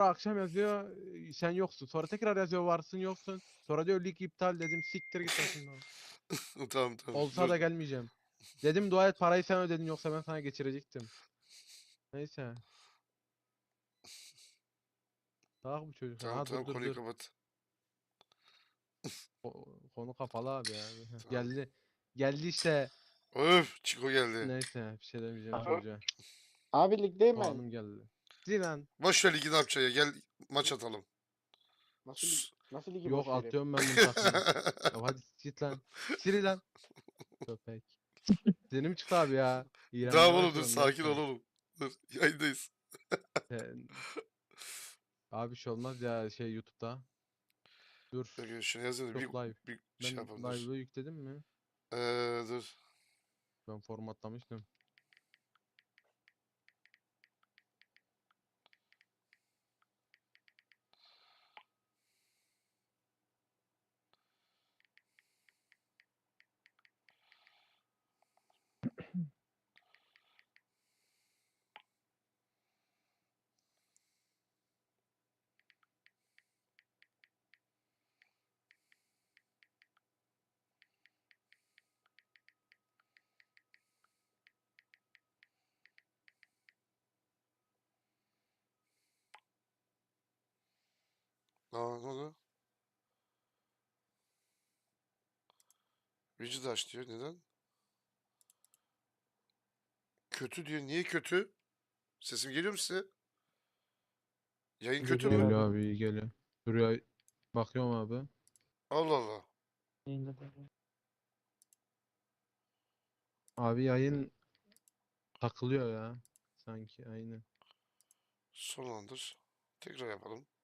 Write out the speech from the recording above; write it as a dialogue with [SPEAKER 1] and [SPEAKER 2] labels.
[SPEAKER 1] akşam yazıyor sen yoksun. Sonra tekrar yazıyor varsın yoksun. Sonra diyor lig iptal dedim. Siktir git başımdan.
[SPEAKER 2] Tamam tamam.
[SPEAKER 1] Olsa
[SPEAKER 2] Dur.
[SPEAKER 1] da gelmeyeceğim. Dedim dua et parayı sen ödedin yoksa ben sana geçirecektim. Neyse. Daha bu çocuk.
[SPEAKER 2] Tamam
[SPEAKER 1] Ha dur
[SPEAKER 2] tamam,
[SPEAKER 1] dur
[SPEAKER 2] konuyu
[SPEAKER 1] dur.
[SPEAKER 2] kapat.
[SPEAKER 1] Konu kapalı abi ya.
[SPEAKER 2] Tamam.
[SPEAKER 1] Geldi. Geldi işte.
[SPEAKER 2] Öf, Çiko geldi.
[SPEAKER 1] Neyse bir şey demeyeceğim
[SPEAKER 3] Aha.
[SPEAKER 1] çocuğa.
[SPEAKER 3] Abi ligdeyim ben.
[SPEAKER 1] Puanım geldi. Zilan.
[SPEAKER 2] Boş ver ligi, ne yapacaksın ya? Gel maç atalım.
[SPEAKER 3] Nasıl ligi
[SPEAKER 1] Yok
[SPEAKER 3] boş vereyim?
[SPEAKER 1] atıyorum ben bunu takımı. Ya hadi git lan. Siri lan. Köpek. Senim çıktı abi ya. İğrenmeye
[SPEAKER 2] Tamam oğlum, dur
[SPEAKER 1] başladım
[SPEAKER 2] sakin ol
[SPEAKER 1] gerçekten.
[SPEAKER 2] oğlum. Dur, yayındayız.
[SPEAKER 1] Abi bir şey olmaz ya şey YouTube'da. Dur.
[SPEAKER 2] Dur şunu yazayım da
[SPEAKER 1] Yok live.
[SPEAKER 2] bir şey
[SPEAKER 1] Ben
[SPEAKER 2] yapalım, dur.
[SPEAKER 1] live'ı yükledim mi?
[SPEAKER 2] Dur.
[SPEAKER 1] Ben formatlamıştım.
[SPEAKER 2] Aa, ne oldu? Widget aç diyor. Neden? Kötü diyor. Niye kötü? Sesim geliyor mu size? Yayın kötü
[SPEAKER 3] Geliyor
[SPEAKER 2] mü?
[SPEAKER 1] Geliyor
[SPEAKER 3] abi.
[SPEAKER 1] abi iyi geliyor. Şuraya bakıyorum abi.
[SPEAKER 2] Allah Allah.
[SPEAKER 1] Abi yayın takılıyor ya. Sanki aynen.
[SPEAKER 2] Sonlandır. Tekrar yapalım.